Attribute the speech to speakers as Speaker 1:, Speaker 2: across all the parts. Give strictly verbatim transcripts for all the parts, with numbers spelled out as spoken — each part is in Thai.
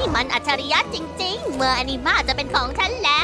Speaker 1: มันอัจฉริยะจริงๆ เมื่ออนิมาจะเป็นของฉันแล้ว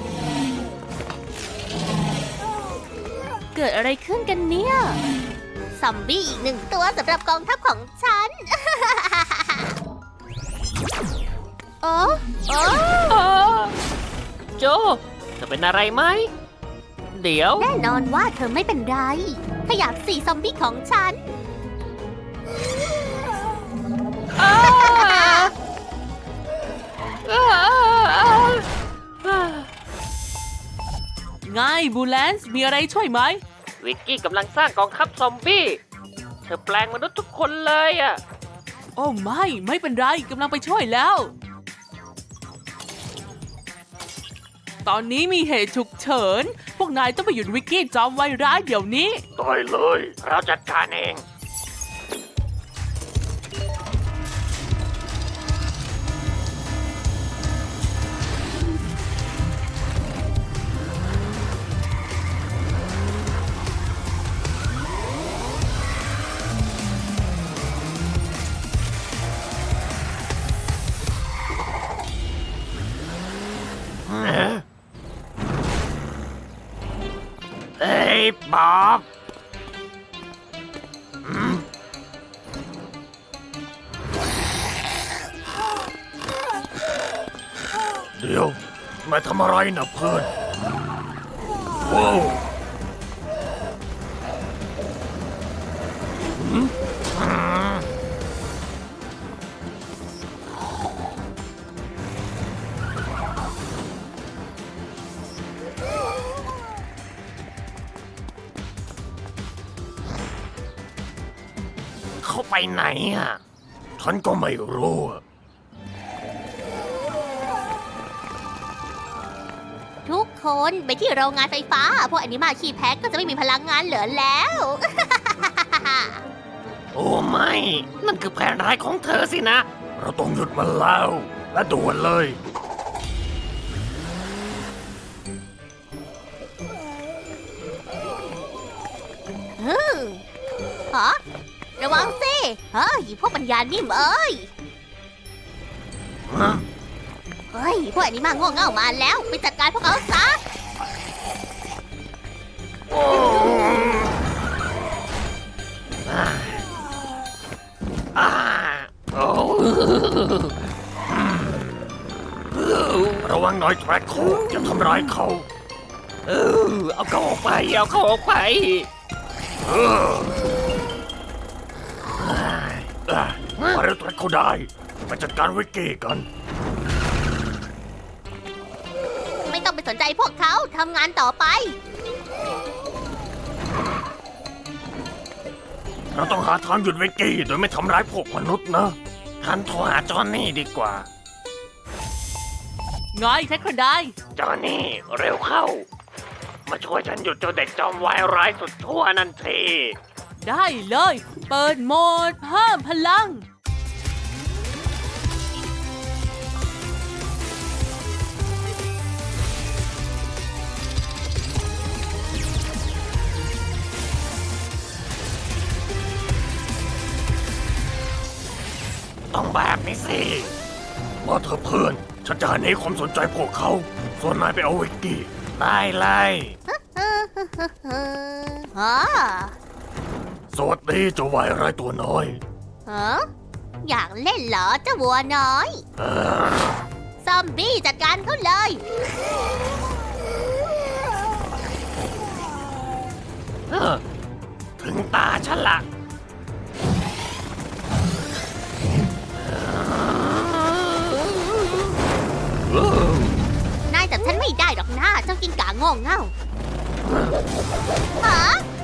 Speaker 1: เกิดอะไรขึ้นกันเนี่ยซอมบี้อีกหนึ่งตัวสำหรับกองทัพของฉัน โอ้โอ้
Speaker 2: โจเธอเป็นอะไรไหมเดี๋ยว
Speaker 1: แน่นอนว่าเธอไม่เป็นไร ขยับสี่ซอมบี้ของฉัน
Speaker 3: ไงบูแลนซ์มีอะไรช่วยไหม
Speaker 2: วิกกี้กำลังสร้างกองทัพซอมบี้เธอแปลงมนุษย์ทุกคนเลยอ่ะ
Speaker 3: โอ้ไม่ไม่เป็นไรกำลังไปช่วยแล้ว ตอนนี้มีเหตุฉุกเฉิน พวกนายต้องไปหยุดวิกกี้จอมไวร้ายเดี๋ยวนี้
Speaker 2: ได้เลย เราจัดการเอง เอ้ยบ๊อบเดี๋ยวมาทำอะไรนะเพื่อนว้าวเขาไปไหนอ่ะฉันก็ไม่รู้อะ
Speaker 1: ทุกคนไปที่โรงงานไฟฟ้า พวกอนิมาขี้แพ้ก็จะไม่มีพลังงานเหลือแล้ว
Speaker 2: โอ้ไม่ นั่นคือแผนร้ายของเธอสินะ เราต้องหยุดมันแล้ว และด่วนเลย
Speaker 1: ฮึมฮะระวังสิเฮ้ยพวกปัญญานิ่มเอ้ย เฮ้ย พวกอนิมาโง่เง่ามาแล้ว ไปจัดการพวกเขาซะ
Speaker 2: อ่าโอ้ระวังหน่อยแทร็กโคอย่าทำร้ายเขาเออเอาเขาออกไป เอาเขาออกไปเอออ่ะมาเร็วแทร็กโคได้มาจัดการวิกกี้กัน
Speaker 1: ไม่ต้องไปสนใจพวกเขาทำงานต่อไป
Speaker 2: เราต้องหาทางหยุดวิกกี้โดยไม่ทำร้ายพวกมนุษย์นะฉันโทรหาจอห์นนี่ดีกว่า
Speaker 3: ไงแท็กคนได้
Speaker 2: จอห์นนี่เร็วเข้า มาช่วยฉันหยุดเจ้าเด็กจอมวายร้ายสุดชั่วนั่นที
Speaker 3: ได้เลย เปิดโหมดเพิ่มพลัง
Speaker 2: ต้องแบบนี้สิมาเถอะเพื่อนฉันจะหนีความสนใจพวกเขา ส่วนนายไปเอาวิกกี้ได้เลย
Speaker 1: ฮะ
Speaker 2: สวัสดีเจ้าวายร้ายตัวน้อย
Speaker 1: ฮะอยากเล่นเหรอเจ้าวัวน้อย
Speaker 2: เออ
Speaker 1: ซอมบี้จัดการเขาเลย
Speaker 2: เออถึงตาฉันละ
Speaker 1: นายจับฉันไม่ได้หรอกนะเจ้ากินกาโง่เง่าฮะ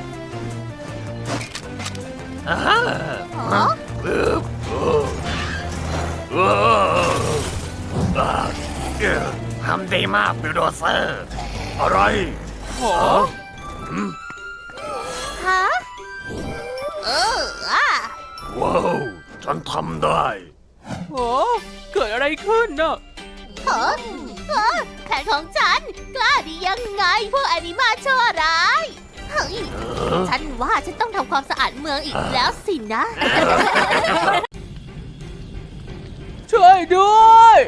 Speaker 2: อ่า
Speaker 1: ฮะ
Speaker 2: เออเออเอออ่าเอ่อทำดีมากบิลโดเซอร์ อะไรหรอ
Speaker 1: ฮะเอออ่ะ
Speaker 2: ว้าว ฉันทำได้
Speaker 3: โอ้เกิดอะไรขึ้นน่ะ
Speaker 1: ฮะฮะแผนของฉันกล้าดียังไงพวกอนิมาชั่วร้ายเฮ้ย ฉันว่าฉันต้องทำความสะอาดเมืองอีกแล้วสินะ
Speaker 3: ชช่วยด้วย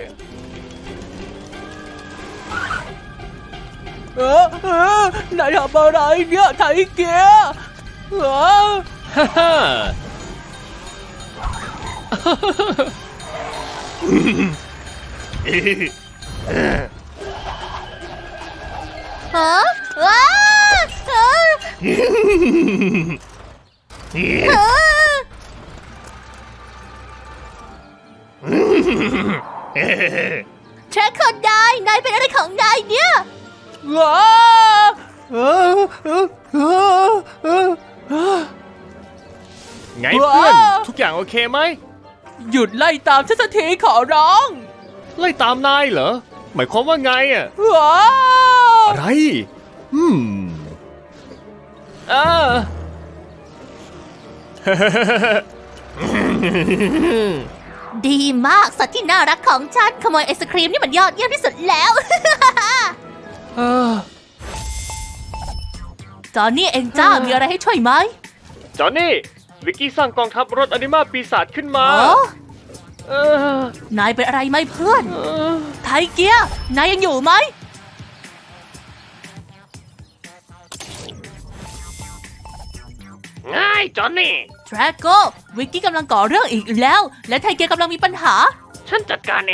Speaker 3: เออเออนายทำอะไรเนี่ยไทเกียเออ
Speaker 4: ฮ่าฮ่า
Speaker 1: ฮะว้าเออเออแทร็กคนนายนายเป็นอะไรของนายเนี่ย
Speaker 3: ว้าเออเออเออเออเออ
Speaker 4: ไงเพื่อน ทุกอย่างโอเคไหม
Speaker 3: หยุดไล่ตามฉันสักทีขอร้อง
Speaker 4: ไล่ตามนายเหรอ หมายความว่าไงอ่ะ
Speaker 3: ว้า
Speaker 4: อะไร อืมอ่า
Speaker 1: ดีมากสัตว์ที่น่ารักของฉันขโมยไอศครีมนี่มันยอดเยี่ยมที่สุดแล้ว
Speaker 3: เออจอนนี่เองจ้ามีอะไรให้ช่วยไหม
Speaker 4: จอห์นนี่ วิกกี้สร้างกองทัพรถอนิมาปีศาจขึ้นมา
Speaker 3: อ๋อ
Speaker 4: เออน
Speaker 3: ายเป็นอะไรไหมเพื่อน
Speaker 4: เออ
Speaker 3: ไทเกียนายยังอยู่ไหม
Speaker 2: ง่ายจอนนี่
Speaker 3: ทรโกวิกกี้กำลังก่อเรื่องอีกแล้ว และไทเกียกำลังมีปัญหา
Speaker 2: ฉันจัดการเอง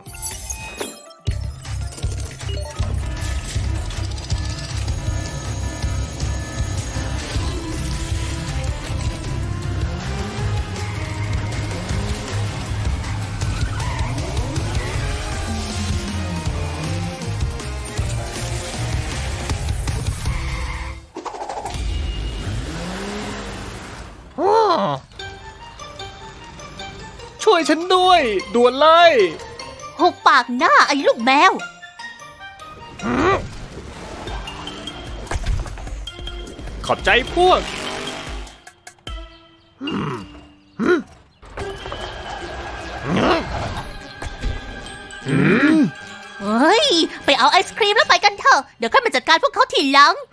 Speaker 4: ช่วยฉันด้วยด่วนเลย
Speaker 1: หุบปากหน้าไอ้ลูกแมว
Speaker 4: ขอบใจพวก
Speaker 1: เฮ้ย ไปเอาไอศครีมแล้วไปกันเถอะ เดี๋ยวค่อยมาจัดการพวกเขาทีหลัง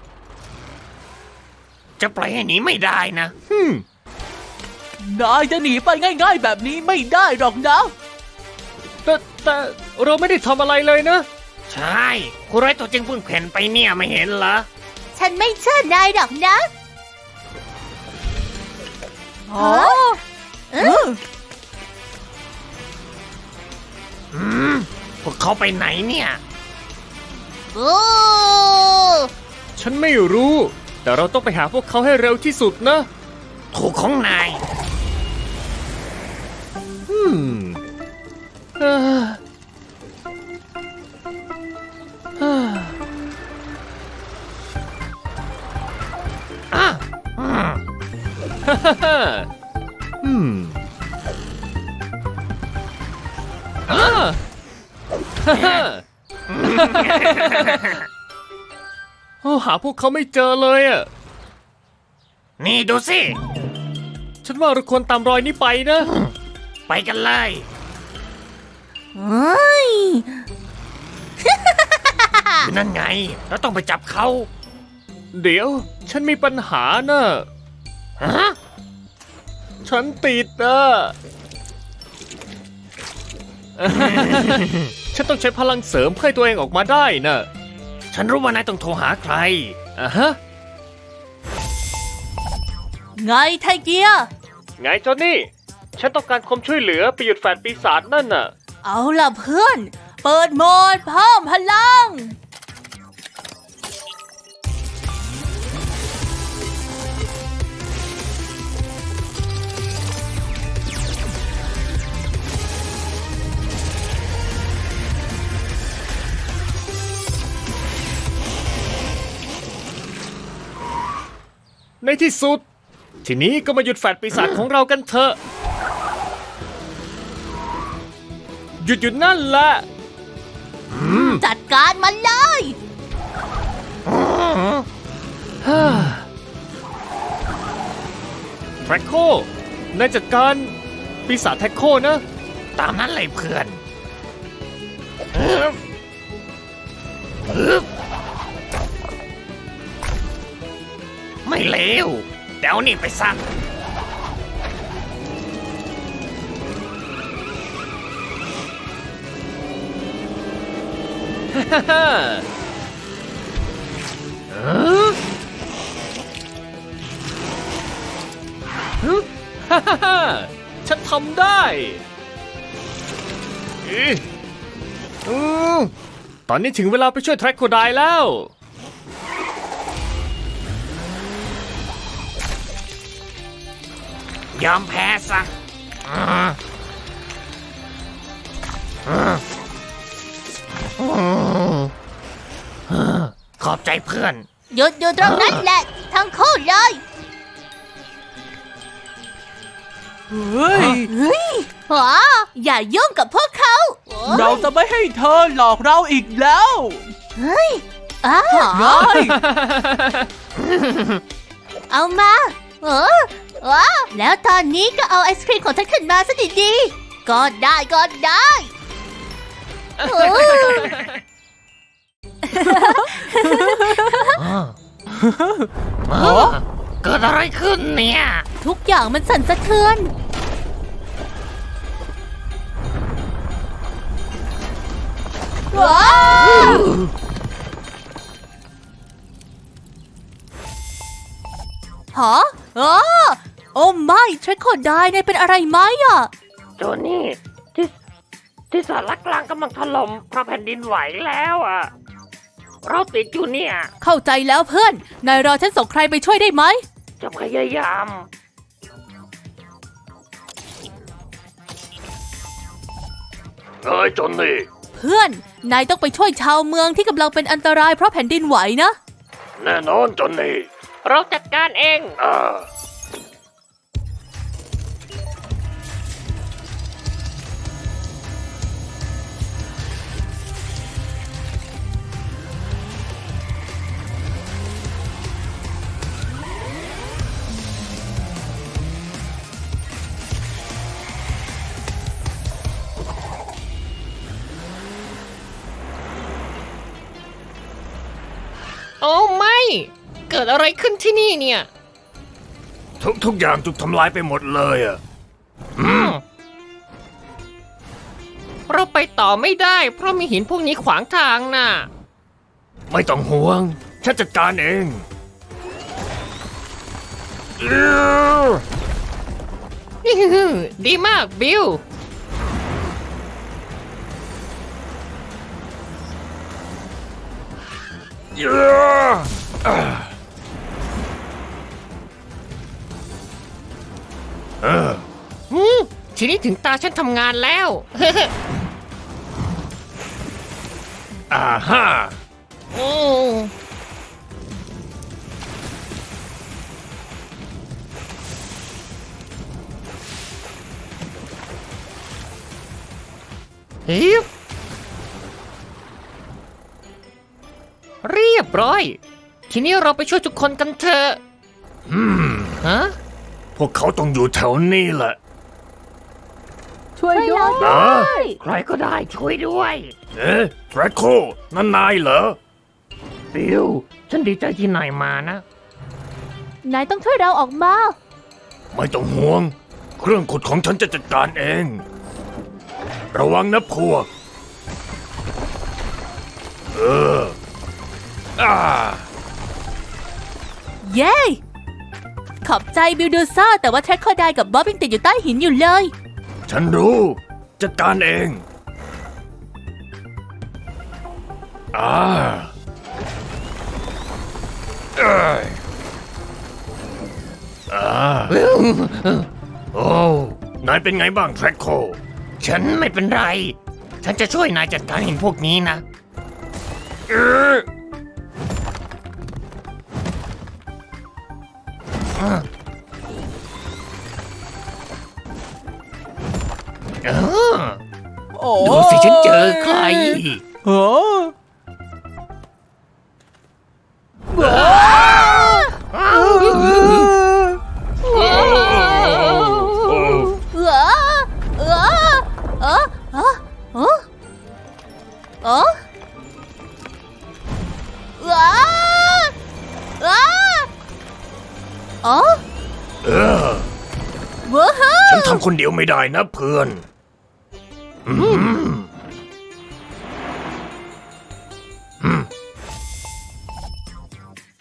Speaker 2: จะปล่อยให้หนีไม่ได้นะ
Speaker 4: ฮึม
Speaker 3: นายจะหนีไปง่ายๆแบบนี้ไม่ได้หรอกนะ
Speaker 4: แต่แต่เราไม่ได้ทำอะไรเลยนะ
Speaker 2: ใช่คุณร้ายตัวจริงเพิ่งเพ่นไปเนี่ยไม่เห็นเหรอ
Speaker 1: ฉันไม่เชื่อนายหรอกนะ
Speaker 3: อ๋อ
Speaker 1: เออ
Speaker 2: อืม พวกเขาไปไหนเนี่ย
Speaker 1: โอ้
Speaker 4: ฉันไม่รู้ แต่เราต้องไปหาพวกเขาให้เร็วที่สุดนะ
Speaker 2: ถูกของนาย
Speaker 4: อืมเอ่อเอ่อ
Speaker 2: อ่ะอืม
Speaker 4: ฮ่าฮ่าฮ่าอืมอ่าฮ่าฮ่าโอ้หาพวกเขาไม่เจอเลยอ่ะ
Speaker 2: นี่ดูสิ
Speaker 4: ฉันว่าเราควรตามรอยนี้ไปนะ
Speaker 2: ไปกันเลย
Speaker 1: เฮ้ย
Speaker 2: นั่นไง เราต้องไปจับเขา
Speaker 4: เดี๋ยว ฉันมีปัญหาน่ะ
Speaker 2: ฮะ
Speaker 4: ฉันติดอ่ะ ฉันต้องใช้พลังเสริมเพื่อให้ตัวเองออกมาได้น่ะ
Speaker 2: ฉันรู้ว่านายต้องโทรหาใคร
Speaker 4: อ่ะฮะ
Speaker 3: ไงไทเกีย
Speaker 4: ไงจอนนี่ ฉันต้องการความช่วยเหลือไปหยุดแฟนปีศาจนั่นน่ะ
Speaker 3: เอาล่ะเพื่อน เปิดโหมดเพิ่มพลัง
Speaker 4: ในที่สุด ทีนี้ก็มาหยุดแฟนปีศาจของเรากันเถอะ หยุดหยุดนั่นแหละ
Speaker 1: จัดการมันเลย
Speaker 4: แทร็กโค นายจัดการปีศาจแทร็กโคนะ
Speaker 2: ตามนั้นเลยเพื่อนอึ๊บอึ๊บไม่เลวเดี๋ยวนี่ไปสั่ง
Speaker 4: เออฮึฮ่าฮ่าฮ่าฉันทำได้อีอืมตอนนี้ถึงเวลาไปช่วยแทร็กโคไดแล้ว
Speaker 2: ยอมแพ้ซะอืมอืมอืมอืมขอบใจเพื่อน
Speaker 1: หยุดอยู่ตรงนั้นแหละ ทั้งคู่เลย
Speaker 3: เฮ้ย
Speaker 1: เฮ้ยหรออย่ายุ่งกับพวกเขาโอ้ย
Speaker 3: เราจะไม่ให้เธอหลอกเราอีกแล้ว
Speaker 1: เฮ้ยอ้าว
Speaker 3: เฮ้ย
Speaker 1: เอามาเออว้าแล้วตอนนี้ก็เอาไอศครีมของฉันขึ้นมาซะดีๆก็ได้ก็ได้เออ
Speaker 2: อ๋อเกิดอะไรขึ้นเนี่ย
Speaker 1: ทุกอย่างมันสั่นสะเทือนว้าวฮะอ๋อโอ้ไม่เทรคโคไดนายเป็นอะไรไหมอ่ะ
Speaker 2: โจนี่ที่ที่สารกลางกำลังถล่มเพราะแผ่นดินไหวแล้วอ่ะ เราติดอยู่เนี่ย
Speaker 3: เข้าใจแล้วเพื่อน นายรอฉันส่งใครไปช่วยได้ไหม
Speaker 2: จะพยายามเฮ้ยโจนี่
Speaker 3: เพื่อน นายต้องไปช่วยชาวเมืองที่กำลังเป็นอันตรายเพราะแผ่นดินไหวนะ
Speaker 2: แน่นอนโจนี่ เราจัดการเองอ่าโอ้ไม่ เกิดอะไรขึ้นที่นี่เนี่ย
Speaker 4: ทุกทุกอย่างถูกทำลายไปหมดเลยอ่ะ
Speaker 2: อืมเราไปต่อไม่ได้เพราะมีหินพวกนี้ขวางทางน่ะ
Speaker 4: ไม่ต้องห่วง ฉันจัดการเองอื้อ
Speaker 2: ดีมากบิล
Speaker 4: อื้ออ่าเออ
Speaker 2: อืมทีนี้ถึงตาฉันทำงานแล้ว
Speaker 4: อ่าฮ่า
Speaker 2: อืมฮิบเรียบร้อย ทีนี้เราไปช่วยทุกคนกันเถอะ
Speaker 4: อืม
Speaker 2: ฮะ
Speaker 4: พวกเขาต้องอยู่แถวนี้แหละ
Speaker 3: ช่วยด้วย
Speaker 4: นะ
Speaker 2: ใครก็ได้ช่วยด้วย
Speaker 4: เอ๊ะแทร็กโคนั่นนายเหรอ
Speaker 2: บิล ฉันดีใจที่นายมานะ
Speaker 1: นายต้องช่วยเราออกมา
Speaker 4: ไม่ต้องห่วง เครื่องขุดของฉันจะจัดการเอง ระวังนะพวก เออ อ่า
Speaker 3: เย้ ขอบใจบิลดูซ่าแต่ว่าแทร็กโคไดกับบ๊อบยังติดอยู่ใต้หินอยู่เลย
Speaker 4: ฉันรู้ จัดการเอง อ่าเอ้ยอ่าโอ้ นายเป็นไงบ้างแทร็กโค
Speaker 2: ฉันไม่เป็นไร ฉันจะช่วยนายจัดการหินพวกนี้นะ
Speaker 4: เออ
Speaker 2: เออ
Speaker 3: โอ้
Speaker 2: ดูสิฉันเจอใคร
Speaker 3: โอ้
Speaker 4: โอ้
Speaker 1: เออเออเออเออเออเออเออเออเออ
Speaker 4: เออ
Speaker 1: ว้าว
Speaker 4: ฉันทำคนเดียวไม่ได้นะเพื่อน อืม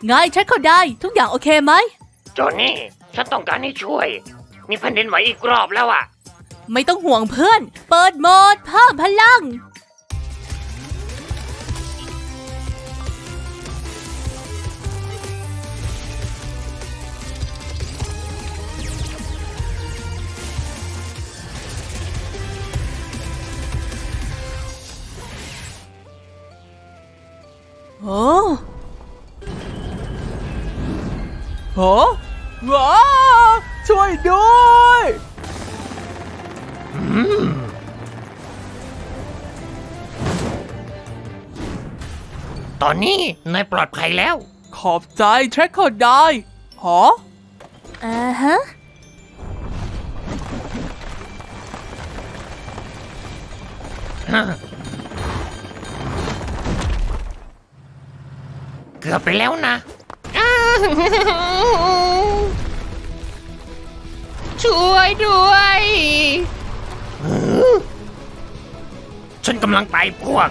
Speaker 3: ไงฉันเข้าได้ทุกอย่างโอเคไหม
Speaker 2: จอห์นนี่ ฉันต้องการให้ช่วย มีแผ่นดินไหวอีกรอบแล้วอะ
Speaker 3: ไม่ต้องห่วงเพื่อน เปิดโหมดเพิ่มพลัง โอ้โหว้าช่วยด้วย
Speaker 2: ตอนนี้นายปลอดภัยแล้ว
Speaker 3: ขอบใจแทร็กเกอร์ได้หอ
Speaker 1: อ่าฮะ
Speaker 2: เกือบไปแล้วนะ ช่วยด้วย ฉันกำลังไปพวก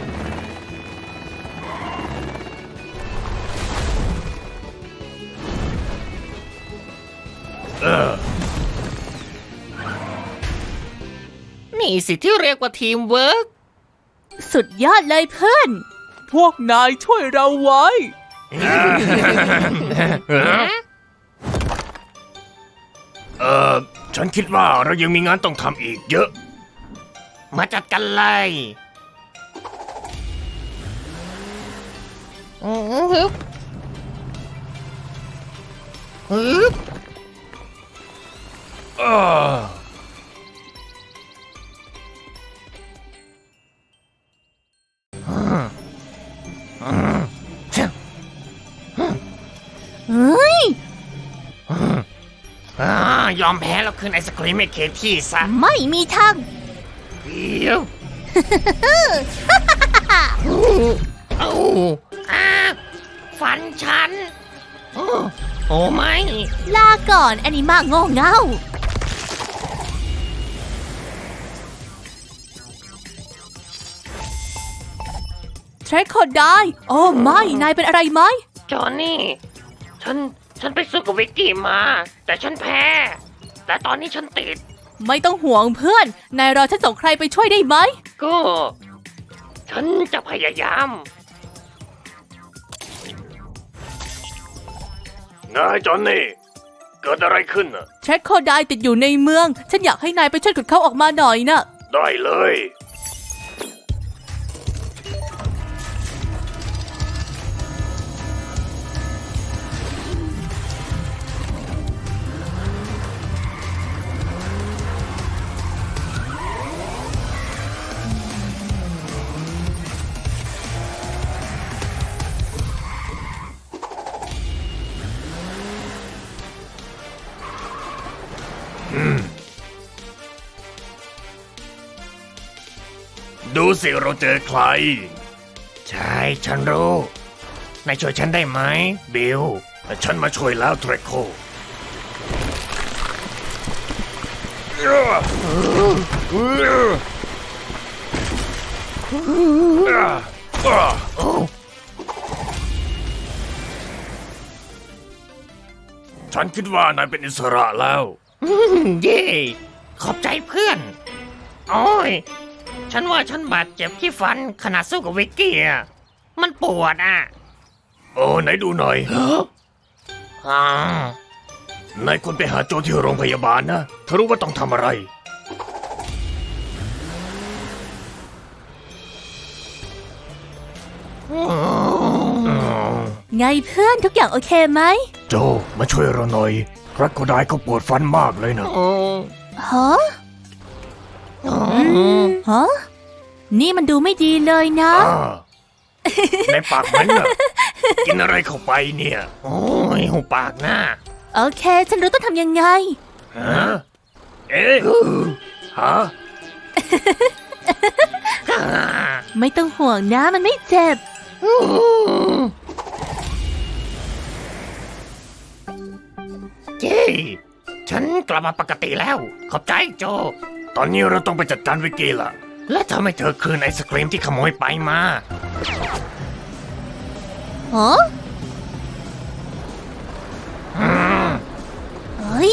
Speaker 4: เออ
Speaker 2: นี่สิที่เรียกว่าทีมเวิร์ก
Speaker 1: สุดยอดเลยเพื่อน
Speaker 3: พวกนายช่วยเราไว้
Speaker 4: เออฉันคิดว่าเรายังมีงานต้องทำอีกเยอะ
Speaker 2: มาจัดกันเลยฮึบฮึบ
Speaker 4: เออ
Speaker 1: เฮ้ย
Speaker 2: อ่ายอมแพ้แล้วคืนไอศครีมให้เคที่ซะ
Speaker 1: ไม่มีทาง
Speaker 2: เดี๋ยว เอาอาฟันฉัน โอ้โอ้ไม่
Speaker 1: ลาก่อนแอนิมาโง่เง่า
Speaker 3: แทร็กเกอร์ได้ โอ้ไม่ นายเป็นอะไรไหม
Speaker 2: จอห์นนี่ ฉัน ฉันไปสู้กับวิกกี้มา แต่ฉันแพ้ แต่ตอนนี้ฉันติด
Speaker 3: ไม่ต้องห่วงเพื่อน นายรอฉันส่งใครไปช่วยได้ไหม
Speaker 2: ก็ ฉันจะพยายาม
Speaker 4: นายจอนนี่ เกิดอะไรขึ้นน่ะ
Speaker 3: แทร็กเกอร์ได้ติดอยู่ในเมือง ฉันอยากให้นายไปช่วยขุดเขาออกมาหน่อยน่ะ
Speaker 4: ได้เลย ดูสิเราเจอใคร
Speaker 2: ใช่ ฉันรู้ นายช่วยฉันได้ไหม บิล
Speaker 4: ฉันมาช่วยแล้วเทรโค ฉันคิดว่านายเป็นอิสระแล้ว
Speaker 2: เย่ขอบใจเพื่อน โอ้ย ฉันว่าฉันบาดเจ็บที่ฟันขณะสู้กับวิกกี้อะมันปวดอ่ะ
Speaker 4: โอ้ไหนดูหน่อย
Speaker 2: อ่าน
Speaker 4: ายควรไปหาโจที่โรงพยาบาลนะเธอรู้ว่าต้องทำอะไร
Speaker 1: ไงเพื่อนทุกอย่างโอเคไหม
Speaker 4: โจมาช่วยเราหน่อยรักก็ได้เขาปวดฟันมากเลยนะ
Speaker 2: โอ้
Speaker 1: ฮะฮะ นี่มันดูไม่ดีเลยนะ
Speaker 4: อ่าในปากมันน่ะ กินอะไรเข้าไปเนี่ย
Speaker 2: โอ้ยหูปากหน้า
Speaker 1: โอเค ฉันรู้ต้องทำยังไง
Speaker 4: ฮะ เอ๊ะฮะ
Speaker 1: ไม่ต้องห่วงนะมันไม่เจ็บ
Speaker 2: เย้ฉันกลับมาปกติแล้ว ขอบใจโจ
Speaker 4: ตอนนี้เราต้องไปจัดการวิกกี้ละ
Speaker 2: และทำให้เธอคืนไอศครีมที่ขโมยไปมา
Speaker 1: ฮะ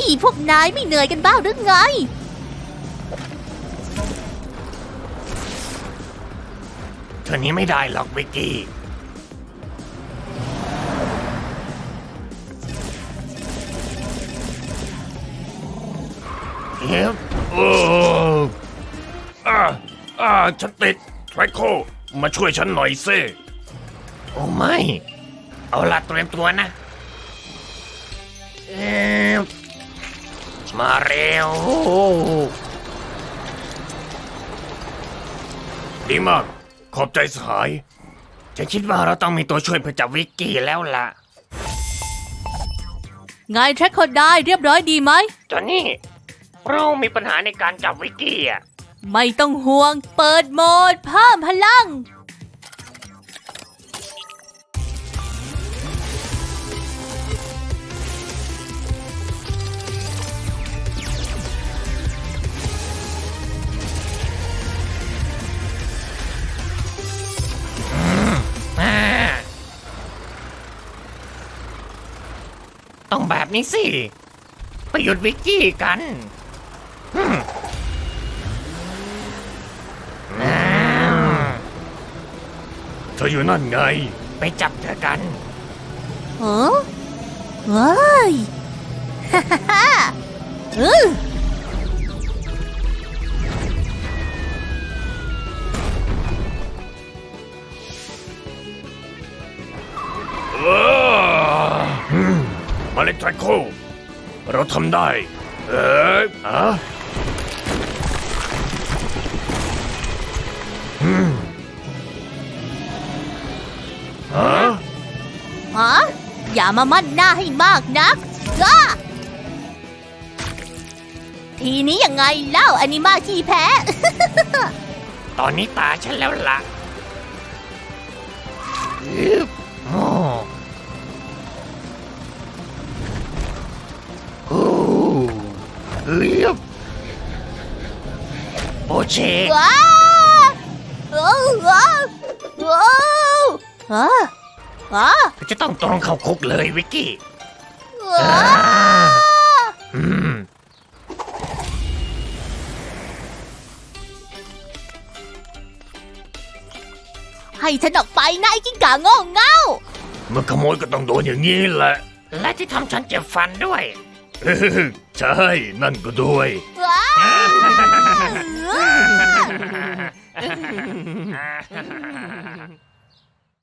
Speaker 1: นี่พวกนายไม่เหนื่อยกันบ้างหรือไง
Speaker 2: เธอนี้ไม่ได้หรอกวิกกี้เฮ้ย
Speaker 4: เอออ่าอ่าฉันติดไทรโคมาช่วยฉันหน่อยสิ
Speaker 2: โอ้ไม่ เอาละเตรียมตัวนะเอ๊ะมาเร็ว
Speaker 4: ดีมาก ขอบใจสหาย
Speaker 2: ฉันคิดว่าเราต้องมีตัวช่วยเพื่อจับวิกกี้แล้วล่ะ
Speaker 3: ไงแทร็กคนได้เรียบร้อยดีไหม
Speaker 2: จอนนี่ เรามีปัญหาในการจับวิกกี้อ่ะ
Speaker 3: ไม่ต้องห่วง เปิดโหมดเพิ่มพลัง
Speaker 2: อ่าต้องแบบนี้สิ ไปหยุดวิกกี้กันอืมอ่า
Speaker 4: เธออยู่นั่นไง
Speaker 2: ไปจับเธอกัน
Speaker 1: เออเฮ้ย ฮ่าฮ่าฮ่าเออ
Speaker 4: เอออืมมาเล็กไทรโคเราทำได้ เอ๊ะอะอืมฮะ
Speaker 1: ฮะอย่ามามั่นหน้าให้มากนักจ้าทีนี้ยังไงเล่าอนิมาขี้แพ้
Speaker 2: ตอนนี้ตาฉันแล้วล่ะอึ๊บโอ้โอ้อึ๊บโอเช
Speaker 1: ว้าโอ้ว้าโอ้ว้าว้า
Speaker 2: จะต้องตรงเข้าคุกเลยวิกกี้
Speaker 1: ว้า
Speaker 2: อืม
Speaker 1: ให้ฉันออกไปนายกิ้งก่าโง่เง่า
Speaker 4: เมื่อขโมยก็ต้องโดนอย่างนี้แหละ
Speaker 2: และที่ทำฉันเจ็บฟันด้วย
Speaker 4: เออใช่ นั่นก็ด้วย
Speaker 1: ว้า
Speaker 2: ฮ่าฮ่าฮ่าฮ่า